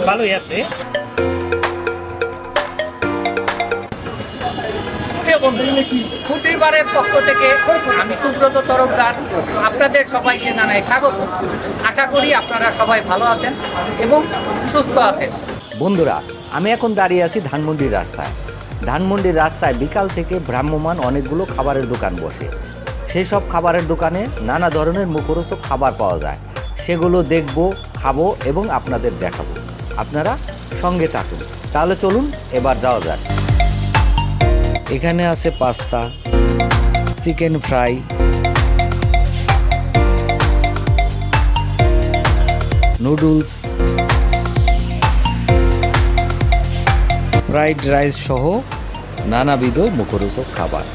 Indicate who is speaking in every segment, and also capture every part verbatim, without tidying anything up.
Speaker 1: ভালোই আছে। ফুটিবারের পক্ষ থেকে আমি সুব্রত তরফদার আপনাদের সবাইকে জানাই স্বাগত। আশা করি আপনারা সবাই ভালো আছেন এবং সুস্থ আছেন।
Speaker 2: বন্ধুরা, আমি এখন দাঁড়িয়ে আছি ধানমন্ডির রাস্তায়। ধানমন্ডির রাস্তায় বিকাল থেকে ভ্রাম্যমান অনেকগুলো খাবারের দোকান বসে। সেই সব খাবারের দোকানে নানা ধরনের মুখরোচক খাবার পাওয়া যায়। সেগুলো দেখব, খাবো এবং আপনাদের দেখাবো। আপনারা সঙ্গে থাকুন। তাহলে চলুন এবার যাওয়া যাক। এখানে আছে pasta, chicken fry, noodles, fried rice সহ নানাবিধ মুখরোচক খাবার।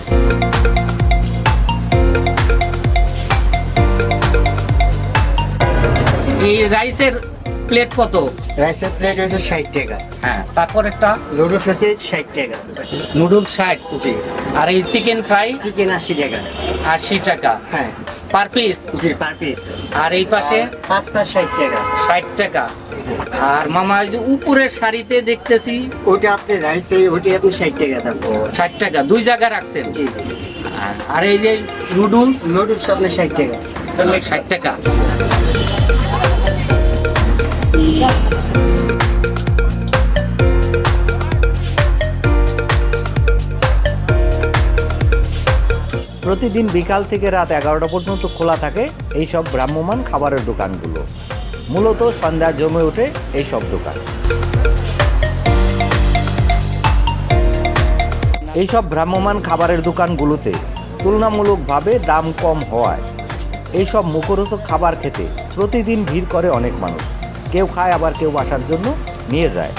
Speaker 1: এই রাইসের প্লেট কত?
Speaker 3: রাইসের প্লেট হচ্ছে ষাট টাকা।
Speaker 1: হ্যাঁ, তারপর একটা
Speaker 3: নুডলস হচ্ছে ষাট টাকা।
Speaker 1: নুডলস ষাট।
Speaker 3: জি।
Speaker 1: আর এই চিকেন ফ্রাই
Speaker 3: চিকেন আশি টাকা।
Speaker 1: আশি টাকা
Speaker 3: হ্যাঁ,
Speaker 1: পার পিস।
Speaker 3: জি, পার পিস।
Speaker 1: আর এই পাশে
Speaker 3: পাস্তা ষাট টাকা।
Speaker 1: ষাট টাকা। আর মামা এই যে উপরের শাড়িতে দেখতেছি
Speaker 3: ওটা আপনি রাইসে ওটা আপনি ষাট টাকা দাম।
Speaker 1: ষাট টাকা, দুই জায়গায় রাখছেন।
Speaker 3: জি জি।
Speaker 1: আর এই যে নুডলস
Speaker 3: নুডলস আপনার ষাট টাকা।
Speaker 1: ষাট টাকা।
Speaker 2: প্রতিদিন বিকাল থেকে রাত এগারোটা পর্যন্ত খোলা থাকে এই সব ভ্রাম্যমান খাবারের দোকানগুলো। মূলত সন্ধ্যা জমে ওঠে এই সব দোকান। এই সব ভ্রাম্যমান খাবারের দোকানগুলোতে তুলনামূলকভাবে দাম কম হওয়ায় এই সব মুখরোচক খাবার খেতে প্রতিদিন ভিড় করে অনেক মানুষ। কেউ খায়, আবার কেউ বাসার জন্য নিয়ে যায়।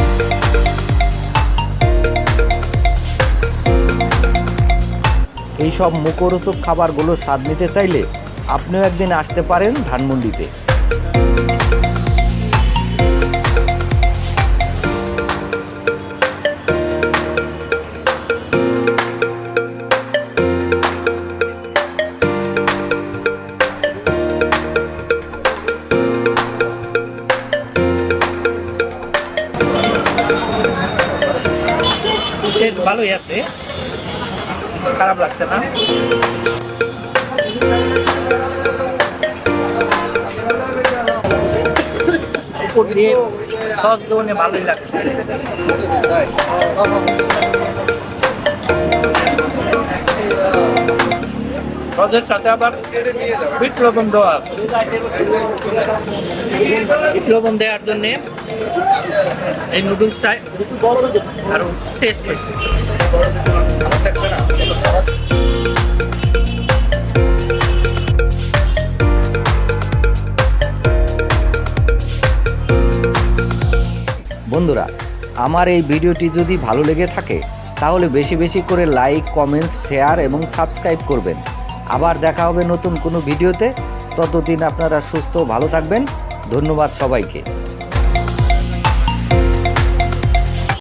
Speaker 2: এই সব মুখরোচক খাবারগুলো স্বাদ নিতে চাইলে আপনিও একদিন আসতে পারেন ধানমন্ডিতে।
Speaker 1: টেস্ট ভালোই আছে, খারাপ লাগছে না। উপর দিয়ে সস দোনে ভালোই লাগছে। সসের সাথে আবার বিট লবণ দেওয়া আছে। বিট লবণ দেওয়ার জন্যে এই নুডলসটা আরো টেস্ট হয়েছে।
Speaker 2: বন্ধুরা, আমার এই ভিডিওটি যদি ভালো লেগে থাকে তাহলে বেশি বেশি করে লাইক, কমেন্টস, শেয়ার এবং সাবস্ক্রাইব করবেন। আবার দেখা হবে নতুন কোনো ভিডিওতে। ততদিন আপনারা সুস্থ ভালো থাকবেন। ধন্যবাদ সবাইকে।